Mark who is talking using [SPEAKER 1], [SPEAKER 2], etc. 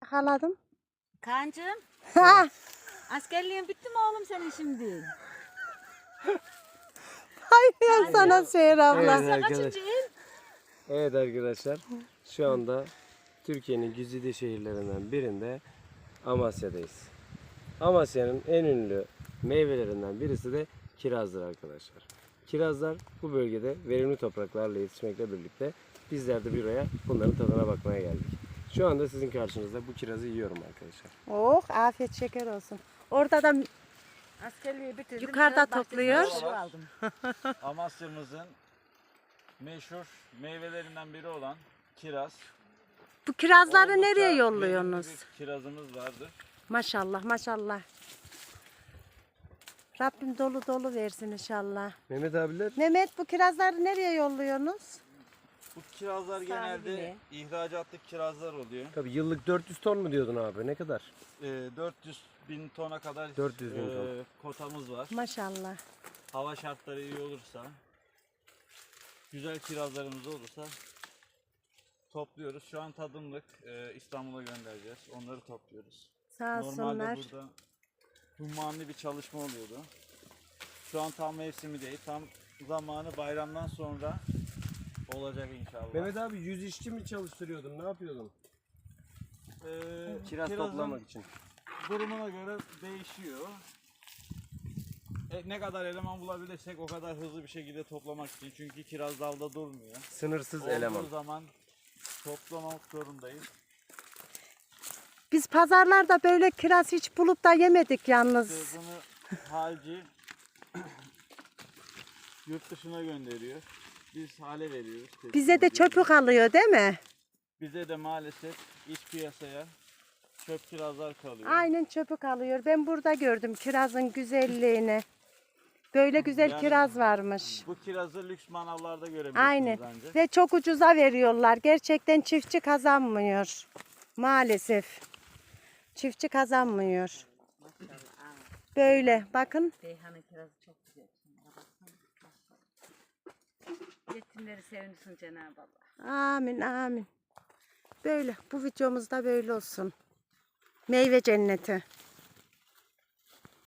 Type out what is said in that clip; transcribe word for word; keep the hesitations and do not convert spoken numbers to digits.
[SPEAKER 1] yakaladım.
[SPEAKER 2] Kancım,
[SPEAKER 1] Ha,
[SPEAKER 2] askerliğin bitti mi oğlum senin şimdi?
[SPEAKER 1] hayır sana Seher abla.
[SPEAKER 3] Evet
[SPEAKER 2] Sen
[SPEAKER 3] arkadaşlar.
[SPEAKER 2] kaçıncı il?
[SPEAKER 3] Evet arkadaşlar. Şu anda Türkiye'nin güzide şehirlerinden birinde Amasya'dayız. Amasya'nın en ünlü meyvelerinden birisi de kirazdır arkadaşlar. Kirazlar bu bölgede verimli topraklarla yetişmekle birlikte bizler de buraya bunların tadına bakmaya geldik. Şu anda sizin karşınızda bu kirazı yiyorum arkadaşlar.
[SPEAKER 1] Oh, afiyet şeker olsun. Orada da
[SPEAKER 2] Askerliği bitirdim.
[SPEAKER 1] Yukarıda
[SPEAKER 2] kiraz
[SPEAKER 1] topluyor.
[SPEAKER 2] bahçesinde ev aldım.
[SPEAKER 4] Amasya'mızın meşhur meyvelerinden biri olan kiraz.
[SPEAKER 1] bu kirazları
[SPEAKER 4] Oldukça
[SPEAKER 1] nereye
[SPEAKER 4] verimli
[SPEAKER 1] yolluyorsunuz?
[SPEAKER 4] bir kirazımız vardır.
[SPEAKER 1] Maşallah maşallah. Rabbim dolu dolu versin inşallah.
[SPEAKER 3] Mehmet abiler
[SPEAKER 1] Mehmet bu kirazları nereye yolluyorsunuz?
[SPEAKER 4] Bu kirazlar genelde
[SPEAKER 2] Sahibine.
[SPEAKER 4] ihracatlı kirazlar oluyor.
[SPEAKER 3] tabii yıllık dört yüz ton mu diyordun abi? Ne kadar?
[SPEAKER 4] Ee, dört yüz bin tona kadar
[SPEAKER 3] dört yüz bin ton.
[SPEAKER 4] e, kotamız var.
[SPEAKER 1] Maşallah.
[SPEAKER 4] Hava şartları iyi olursa, güzel kirazlarımız olursa topluyoruz. Şu an tadımlık e, İstanbul'a göndereceğiz. Onları topluyoruz.
[SPEAKER 1] Sağ
[SPEAKER 4] Normalde
[SPEAKER 1] olsunlar.
[SPEAKER 4] burada hummanlı bir çalışma oluyordu. Şu an tam mevsimi değil. Tam zamanı bayramdan sonra olacak inşallah.
[SPEAKER 3] Mehmet abi yüz işçi mi çalıştırıyordun? Ne yapıyordun?
[SPEAKER 4] Ee,
[SPEAKER 3] Kiraz
[SPEAKER 4] kirazın
[SPEAKER 3] toplamak için.
[SPEAKER 4] durumuna göre değişiyor. E, ne kadar eleman bulabilirsek o kadar hızlı bir şekilde toplamak için. Çünkü kiraz dalda durmuyor.
[SPEAKER 3] Sınırsız
[SPEAKER 4] Olduğu
[SPEAKER 3] eleman.
[SPEAKER 4] zaman toplamak zorundayız.
[SPEAKER 1] Biz pazarlarda böyle kiraz hiç bulup da yemedik yalnız.
[SPEAKER 4] İşte bunu halci yurt dışına gönderiyor. Biz hale veriyoruz. teslim
[SPEAKER 1] Bize de
[SPEAKER 4] ediyoruz.
[SPEAKER 1] çöpü kalıyor değil mi?
[SPEAKER 4] Bize de maalesef iç piyasaya çöp kirazlar kalıyor.
[SPEAKER 1] Aynen çöpü kalıyor. Ben burada gördüm kirazın güzelliğini. Böyle güzel
[SPEAKER 4] Yani-
[SPEAKER 1] kiraz varmış.
[SPEAKER 4] Bu kirazı lüks manavlarda görebilirsiniz
[SPEAKER 1] Aynen.
[SPEAKER 4] ancak.
[SPEAKER 1] Ve çok ucuza veriyorlar. Gerçekten çiftçi kazanmıyor. Maalesef. Çiftçi kazanmıyor. Böyle bakın.
[SPEAKER 2] Beyhan'ın kirazı çok güzel. Şuna baksana. Yetimleri sevinsin Cenab-ı Allah.
[SPEAKER 1] Amin amin. Böyle bu videomuzda böyle olsun. Meyve cenneti.